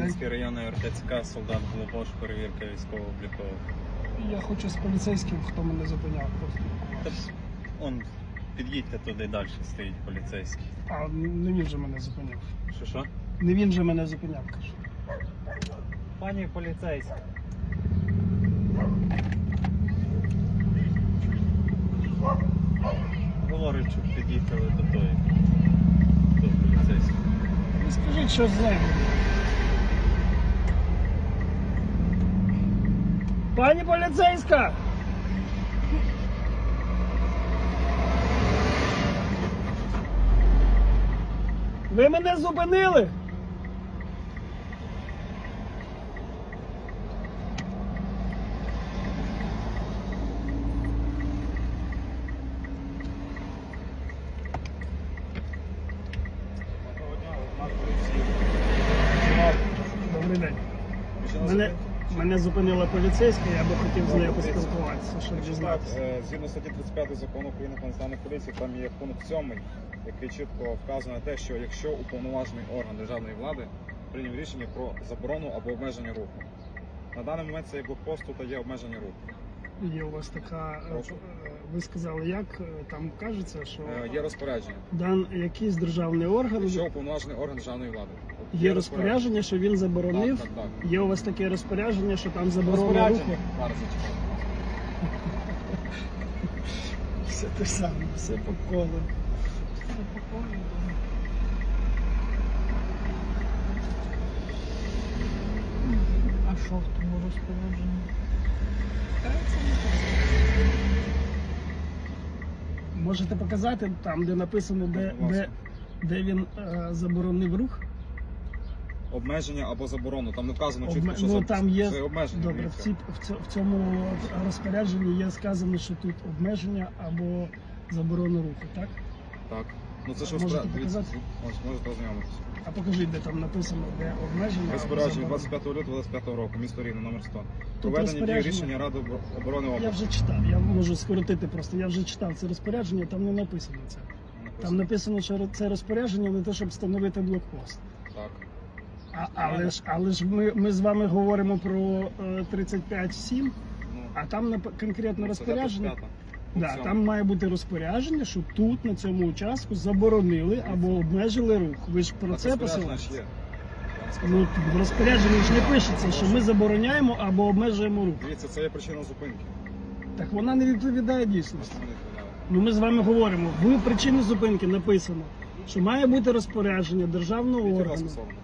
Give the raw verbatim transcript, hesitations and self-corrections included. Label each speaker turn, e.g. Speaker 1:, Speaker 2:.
Speaker 1: Кам'янський районний РТЦК, солдат Голобош, перевірка військово-облікових.
Speaker 2: Я хочу з поліцейським, хто мене зупиняв просто.
Speaker 1: Та, он, під'їдьте туди, далі стоїть поліцейський.
Speaker 2: А не він же мене зупиняв.
Speaker 1: Що, що?
Speaker 2: Не він же мене зупиняв, кажу.
Speaker 1: Пані поліцейська. Говорить, щоб під'їхали до тої, до поліцейського.
Speaker 2: Ви скажіть, що з нею. Пані поліцейська! Ви мене зупинили? Добрий день. Мене, мене зупинила поліцейська, я би хотів з нею поспілкуватися, щоб дізнатися.
Speaker 3: Е, Згідно статті тридцять п'ять закону України про національну поліцію, там є пункт сьомий, який чітко вказує на те, що якщо уповноважений орган державної влади прийняв рішення про заборону або обмеження руху. На даний момент цей блокпост тут є обмеження руху.
Speaker 2: Є у вас така, е,
Speaker 3: Прошу.
Speaker 2: е, ви сказали, як е, там кажеться, що
Speaker 3: Е, Є розпорядження.
Speaker 2: дан якийсь державний орган,
Speaker 3: Якщо уповноважений орган державної влади. От
Speaker 2: є розпорядження, що він заборонив.
Speaker 3: Так, так, так.
Speaker 2: Є у вас таке розпорядження, що там заборона руху.
Speaker 3: Розпорядження. Зараз зачекайте.
Speaker 2: Все те саме, все по колу.
Speaker 4: А що в тому розпорядженні?
Speaker 2: Можете показати там, де написано, де,
Speaker 3: Будь
Speaker 2: де,
Speaker 3: ласка.
Speaker 2: де він е, заборонив рух?
Speaker 3: Обмеження або заборону. Там не вказано чітко,
Speaker 2: Обме...
Speaker 3: що
Speaker 2: Ну
Speaker 3: за-
Speaker 2: там є
Speaker 3: це обмеження.
Speaker 2: добре. В,
Speaker 3: дивіться.
Speaker 2: ці, в, цьо- в цьому розпорядженні є сказано, що тут обмеження або заборона руху, так?
Speaker 3: Так. Ну це ж
Speaker 2: Можете
Speaker 3: розпорядження. Дивіться,
Speaker 2: показати?
Speaker 3: Можете, можете ознайомитися.
Speaker 2: А покажіть, де там написано, де обмеження. або
Speaker 3: Розпорядження
Speaker 2: заборона.
Speaker 3: двадцять п'ятого лютого двадцять п'ятого року, місто Рівне, номер сто.
Speaker 2: Тут
Speaker 3: Проведення дії
Speaker 2: розпорядження.
Speaker 3: рішення Ради обо- оборони
Speaker 2: Я
Speaker 3: області.
Speaker 2: вже читав, я можу скоротити просто. Я вже читав це розпорядження, там не написано це. Там написано, що це розпорядження не те, щоб встановити блокпост.
Speaker 3: Так.
Speaker 2: А, але ж, але ж ми, ми з вами говоримо про е, тридцять п'ять сім,
Speaker 3: Ну,
Speaker 2: а там нап- конкретно розпорядження.
Speaker 3: тридцять п'ята.
Speaker 2: Да,
Speaker 3: Пункт
Speaker 2: там має бути розпорядження, що тут, на цьому участку, заборонили або обмежили рух. Ви ж про
Speaker 3: Так,
Speaker 2: це
Speaker 3: розпорядження ж
Speaker 2: посилаєте?
Speaker 3: є. Я вам сказав.
Speaker 2: Ну, в розпорядженні ж не пишеться, що ми забороняємо або обмежуємо рух.
Speaker 3: Дивіться, це є причина зупинки.
Speaker 2: Так вона не відповідає дійсності.
Speaker 3: Просто не відповідає.
Speaker 2: Ну ми з вами говоримо, в причині зупинки написано, що має бути розпорядження державного
Speaker 3: Скажіть, будь
Speaker 2: органу.
Speaker 3: ласка, слово.